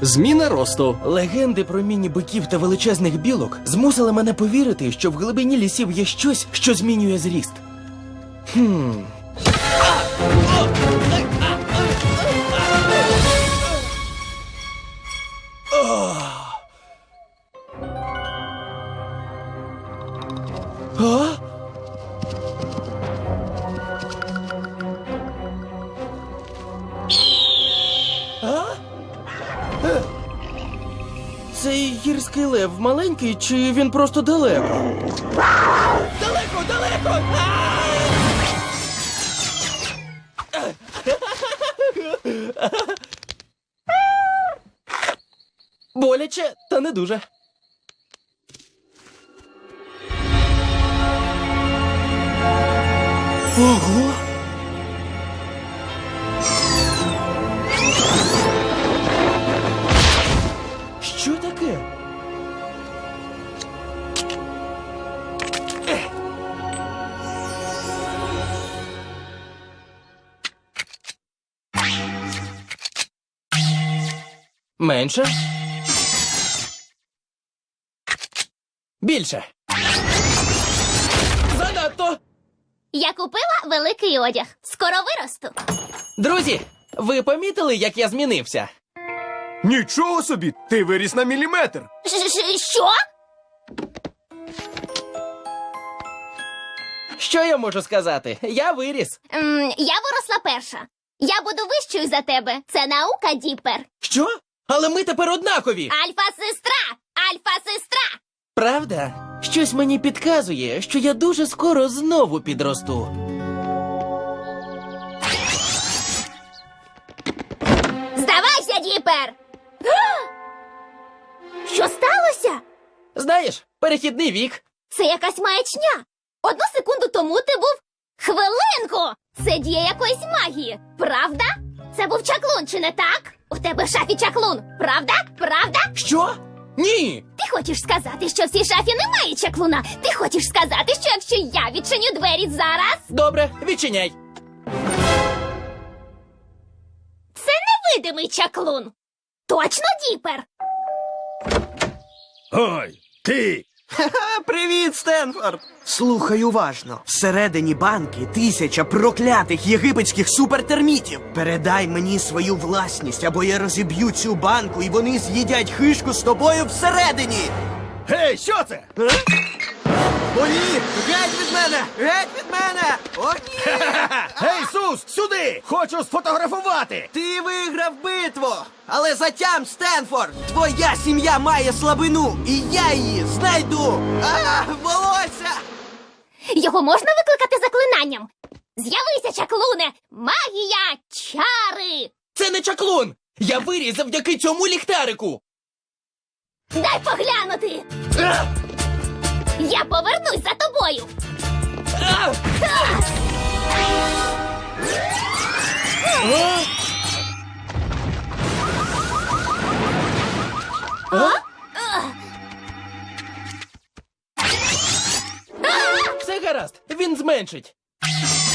Зміна росту. Легенди про міні-биків та величезних білок змусили мене повірити, що в глибині лісів є щось, що змінює зріст. Цей гірський лев маленький, чи він просто далеко? Далеко, далеко! Боляче, та не дуже. Ого! Що таке? Менше? Більше? Занадто! Я купила великий одяг. Скоро виросту. Друзі, ви помітили, як я змінився? Нічого собі, ти виріс на міліметр. Що? Що я можу сказати? Я виріс. Я виросла перша. Я буду вищою за тебе. Це наука, Діпер. Що? Але ми тепер однакові. Альфа-сестра! Альфа-сестра! Правда? Щось мені підказує, що я дуже скоро знову підросту. Здавайся, Діпер! Що сталося? Знаєш, перехідний вік. Це якась маячня. 1 секунду тому ти був... Хвилинку! Це дія якоїсь магії, правда? Це був чаклун, чи не так? У тебе в шафі чаклун, правда? Правда? Що? Ні! Ти хочеш сказати, що в цій шафі немає чаклуна? Ти хочеш сказати, що якщо я відчиню двері зараз... Добре, відчиняй. Це невидимий чаклун. Точно, Діпер? Ой, ти! Привіт, Стенфорд! Слухай уважно. Всередині банки 1000 проклятих єгипетських супертермітів. Передай мені свою власність, або я розіб'ю цю банку, і вони з'їдять хишку з тобою всередині. Гей, що це? О, ні! Геть від мене! Геть від мене! О, ні! Гей, Сус, сюди! Хочу сфотографувати! Ти виграв битву! Але затям, Стенфорд! Твоя сім'я має слабину, і я її знайду! Волосся! Його можна викликати заклинанням? З'явися, чаклуне! Магія! Чари! Це не чаклун! Я виріс завдяки цьому ліхтарику! Дай поглянути! Я повернусь за тобою! Все гаразд, він зменшить.